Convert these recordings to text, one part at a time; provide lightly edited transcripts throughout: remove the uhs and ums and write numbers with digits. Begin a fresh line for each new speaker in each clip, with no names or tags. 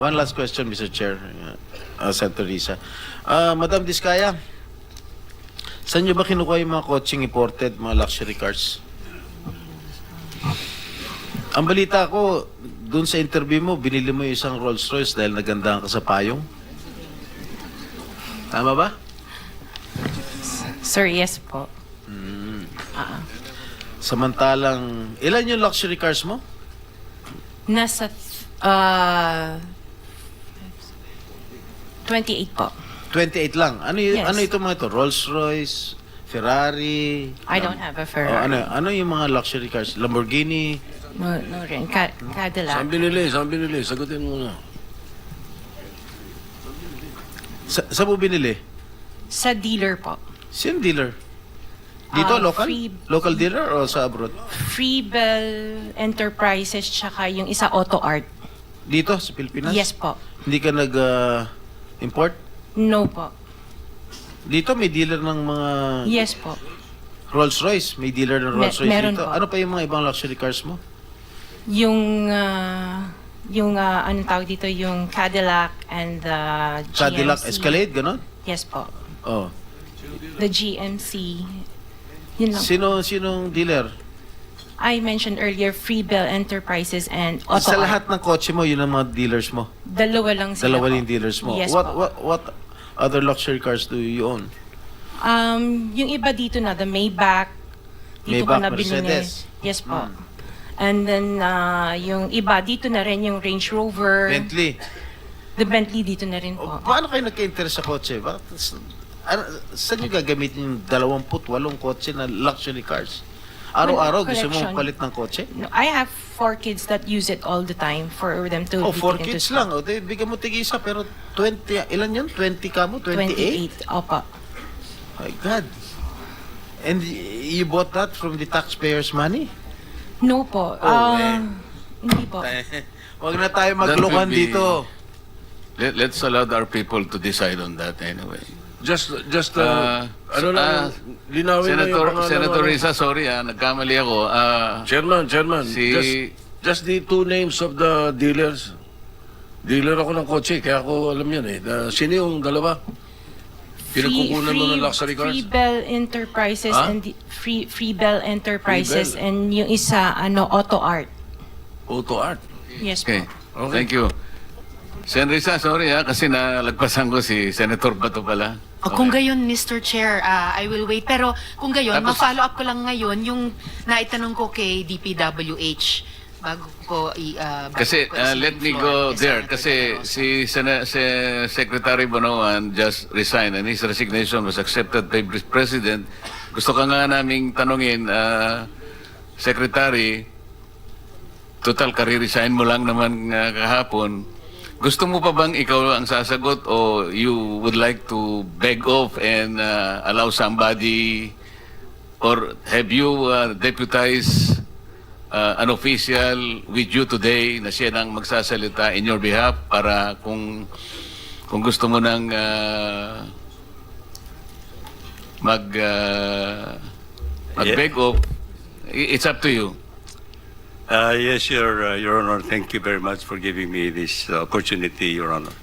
One last question, Mr. Chair, Senator Risa. Madam Diskaya, saan nyo ba kinukuha yung mga coaching imported, mga luxury cars? Ang balita ko, dun sa interview mo, binili mo yung isang Rolls Royce dahil nagandahan ka sa payong. Tama ba?
Sir, yes po.
Samantalang, ilan yung luxury cars mo?
Nasa 28 po.
28 lang.
Yes.
Ano ito mga ito? Rolls Royce, Ferrari?
I don't have a Ferrari.
Ano yung mga luxury cars? Lamborghini?
No rin. Cadillac.
Saan binili? Sagutin mo na.
Saan mo binili?
Sa dealer po.
Sino dealer? Dito, local? Local dealer o sa abroad?
Freebell Enterprises tsaka yung isa Auto Art.
Dito, sa Pilipinas?
Yes po.
Hindi ka nag-import?
No po.
Dito may dealer ng mga
Yes po.
Rolls Royce. May dealer ng Rolls Royce
meron
dito.
po.
Ano pa yung mga ibang luxury cars mo?
Yung anong tawag dito, yung Cadillac and the GMC.
Cadillac Escalade, gano'n?
Yes po.
Oh.
The GMC. Yun lang.
Sinong dealer?
I mentioned earlier Freebell Enterprises and Auto
Sa
Art.
lahat ng kotse mo, yun ang mga dealers mo?
Dalawa lang sila
Dalawa
po.
yung dealers mo?
Yes
what,
po.
what other luxury cars do you own?
Yung iba dito na, the Maybach. Dito ko
Maybach,
na binili.
Mercedes.
Yes po. And then, yung iba, dito na rin yung Range Rover.
Bentley.
The Bentley dito na rin po.
Paano kayo nagka-interest sa kotse? Saan nyo gagamitin yung 28 kotse na luxury cars? Araw-araw gusto
Collection.
mong palit ng kotse?
No, I have 4 kids that use it all the time for them to
Oh,
be
4
taken to
kids
school.
lang. O, bigyan mo tig-isa, pero 20, ilan yun? 20 ka mo? 28?
28. Opo.
My God. And you bought that from the taxpayers' money?
No po. Hindi po.
Huwag na tayo maglokohan
That will be-
dito.
Let's allow our people to decide on that anyway.
Just linawin mo yung
Senator
pangalan.
Risa, sorry nagkamali ako.
Chairman,
Si-
just the two names of the dealers. Dealer ako ng kotse, kaya ako alam yan eh. Sino yung dalawa? Pinagkukunan mo ng luxury cars?
Freebell Enterprises
Ha?
and Freebell Enterprises
Freebell.
and yung isa Auto Art.
Auto Art.
Yes
Okay,
po.
thank you. Sen Risa, sorry kasi nalagpasan ko si Senator Bato pala.
Kung gayon, Mr. Chair, I will wait. Pero kung gayon,
Tapos-
ma-follow up ko lang ngayon yung naitanong ko kay DPWH bago ko
Kasi let me go there kasi si Secretary Bonoan just resigned and his resignation was accepted by the President. Gusto ka nga naming tanungin, Secretary, total kare-resign mo lang naman kahapon. Gusto mo pa bang ikaw ang sasagot o you would like to beg off and allow somebody or have you deputized an official with you today na siya nang magsasalita in your behalf para kung gusto mo nang mag-beg off, it's up to you.
Yes, Your Honor. Thank you very much for giving me this opportunity, Your Honor.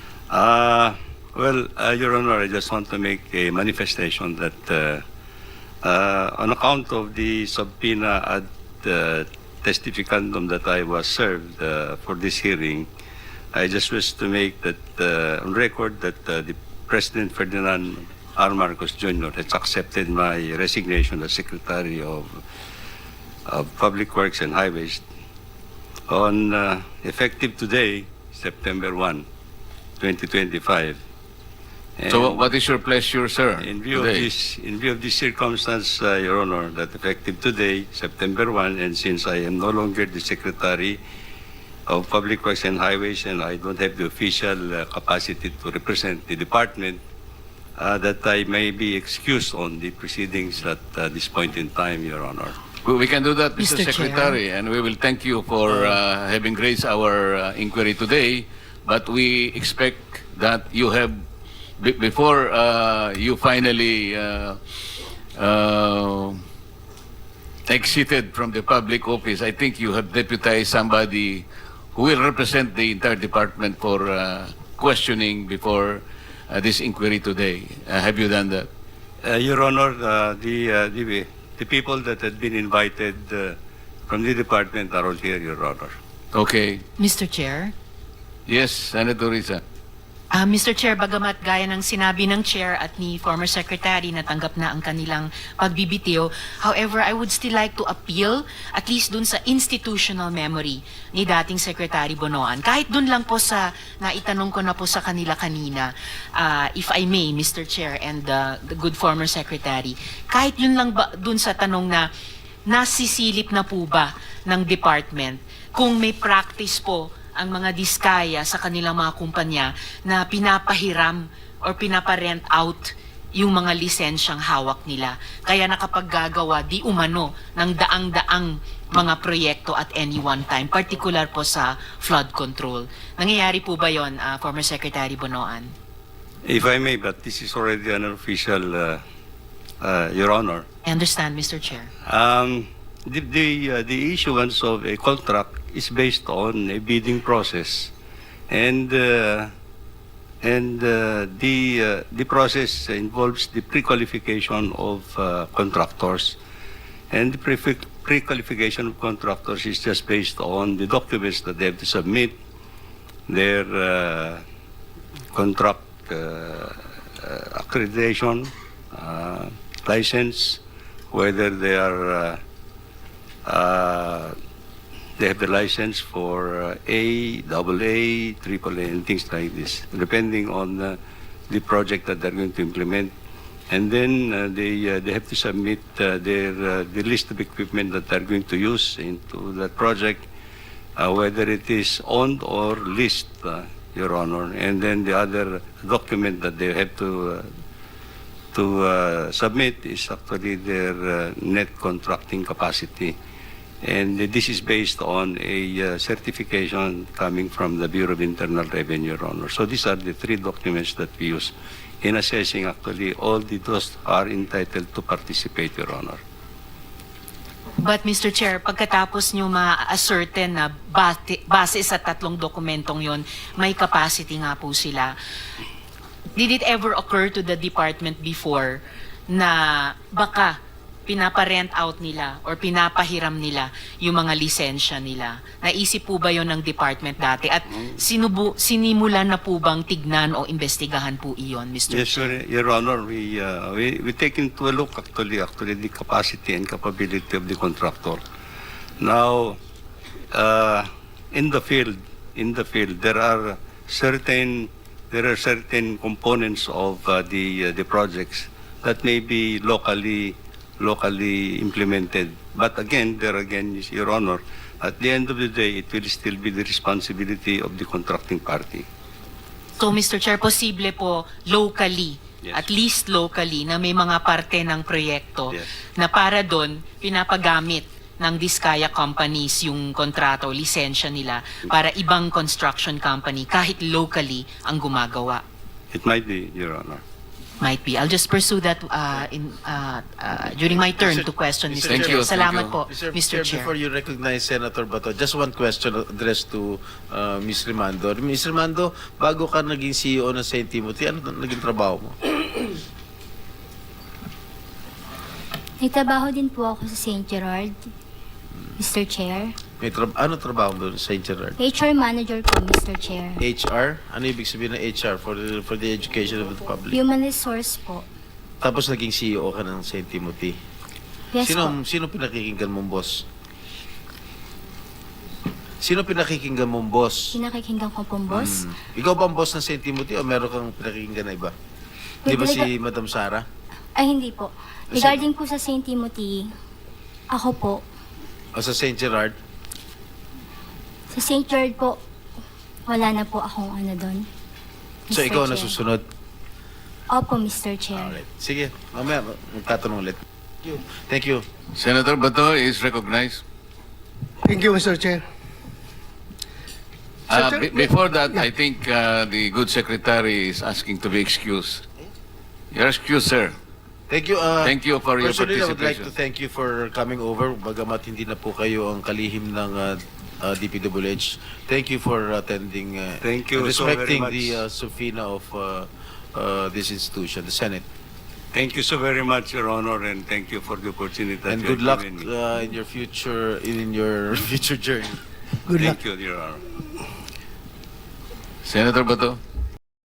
Your Honor, I just want to make a manifestation that on account of the subpoena ad testificandum that I was served for this hearing, I just wish to make that on record that the President Ferdinand R. Marcos Jr. has accepted my resignation as Secretary of Public Works and Highways on effective today, September 1, 2025. And
So what is your pleasure, sir?
in view
today?
of this circumstance, Your Honor, that effective today, September 1, and since I am no longer the Secretary of Public Works and Highways and I don't have the official capacity to represent the department, that I may be excused on the proceedings at this point in time, Your Honor.
We can do that, Mr.
Mr. Chair.
Secretary, and we will thank you for having raised our inquiry today. But we expect that you have, before you finally exited from the public office, I think you have deputized somebody who will represent the entire department for questioning before this inquiry today. Have you done that?
Your Honor, the people that had been invited from the department are all here, Your Honor.
Okay.
Mr. Chair?
Yes, Senator Risa.
Mr. Chair, bagamat gaya ng sinabi ng Chair at ni former Secretary na tanggap na ang kanilang pagbibitiw, however, I would still like to appeal at least dun sa institutional memory ni dating Secretary Bonoan. Kahit dun lang po sa naitanong ko na po sa kanila kanina, if I may, Mr. Chair and the good former Secretary, kahit yun lang ba dun sa tanong na nasisilip na po ba ng department kung may practice po ang mga diskaya sa kanilang mga kumpanya na pinapahiram or pinaparent out yung mga lisensyang hawak nila. Kaya nakapaggagawa di umano ng daang-daang mga proyekto at any one time, particular po sa flood control. Nangyayari po ba yon, former Secretary Bonoan?
If I may, but this is already an official, Your Honor.
I understand, Mr. Chair.
The issuance of a contract is based on a bidding process, and the process involves the pre-qualification of contractors, and the pre-qualification of contractors is just based on the documents that they have to submit, their contract accreditation, license, whether they are they have the license for A, AA, AAA, and things like this, depending on the project that they're going to implement. And then they have to submit the list of equipment that they're going to use into that project, whether it is owned or leased, Your Honor. And then the other document that they have to submit is actually their net contracting capacity. And this is based on a certification coming from the Bureau of Internal Revenue, Your Honor. So these are the three documents that we use in assessing actually all those are entitled to participate, Your Honor.
But Mr. Chair, pagkatapos nyo ma-ascertain na base sa tatlong dokumentong yon, may capacity nga po sila. Did it ever occur to the department before na baka pinaparent out nila or pinapahiram nila yung mga lisensya nila? Naisip po ba yon ng department dati? At sinimulan na po bang tignan o investigahan po iyon, Mr.
Yes,
Chair?
Your Honor, we take into a look actually the capacity and capability of the contractor. Now, in the field, there are certain components of the projects that may be locally implemented. But again, Your Honor, at the end of the day, it will still be the responsibility of the contracting party.
So, Mr. Chair, posible po locally,
Yes.
at least locally, na may mga parte ng proyekto
Yes.
na para doon pinapagamit ng Diskaya companies yung kontrato, lisensya nila para ibang construction company kahit locally ang gumagawa.
It might be, Your Honor.
Might be. I'll just pursue that during my turn to question, Mr.
Thank
Chair.
you, thank
Salamat
you.
po, Mr. Chair.
Before you recognize Senator Bato, just one question addressed to Ms. Rimando. Ms. Rimando, bago ka naging CEO ng St. Timothy, ano naging trabaho mo?
Nagtrabaho din po ako sa St. Gerard, Mr. Chair.
Ano trabaho mo doon sa St. Gerard?
HR manager po, Mr. Chair.
HR? Ano ibig sabihin ng HR for the education of the public?
Human resource po.
Tapos naging CEO ka ng St. Timothy.
Yes po.
Sino pinakikinggan mong boss? Sino pinakikinggan mong boss?
Pinakikinggan ko pong boss.
Ikaw ba ang boss ng St. Timothy o meron kang pinakikinggan na iba? Di ba si Madam Sara?
Ay, hindi po. Regarding po sa St. Timothy, ako po.
O sa St. Gerard?
Sa St. Gerard po, wala na po akong ano doon.
So
Mr.
ikaw
Chair.
na susunod?
Opo, Mr. Chair.
Alright. Sige, mamaya magtatanong ulit. Thank you.
Senator Bato is recognized.
Thank you, Mr. Chair.
Before that, I think the good secretary is asking to be excused. You're excused, sir.
Thank you.
Thank you for your
Personally, I would like
participation.
to thank you for coming over. Bagamat hindi na po kayo ang kalihim ng DPWH. Thank you for attending.
Thank you
and
so very
respecting
much.
the subpoena of this institution, the Senate.
Thank you so very much, Your Honor, and thank you for the opportunity that
And
you
good
have
luck
given me.
in your future journey.
Good luck.
Thank you, Your Honor.
Senator Bato?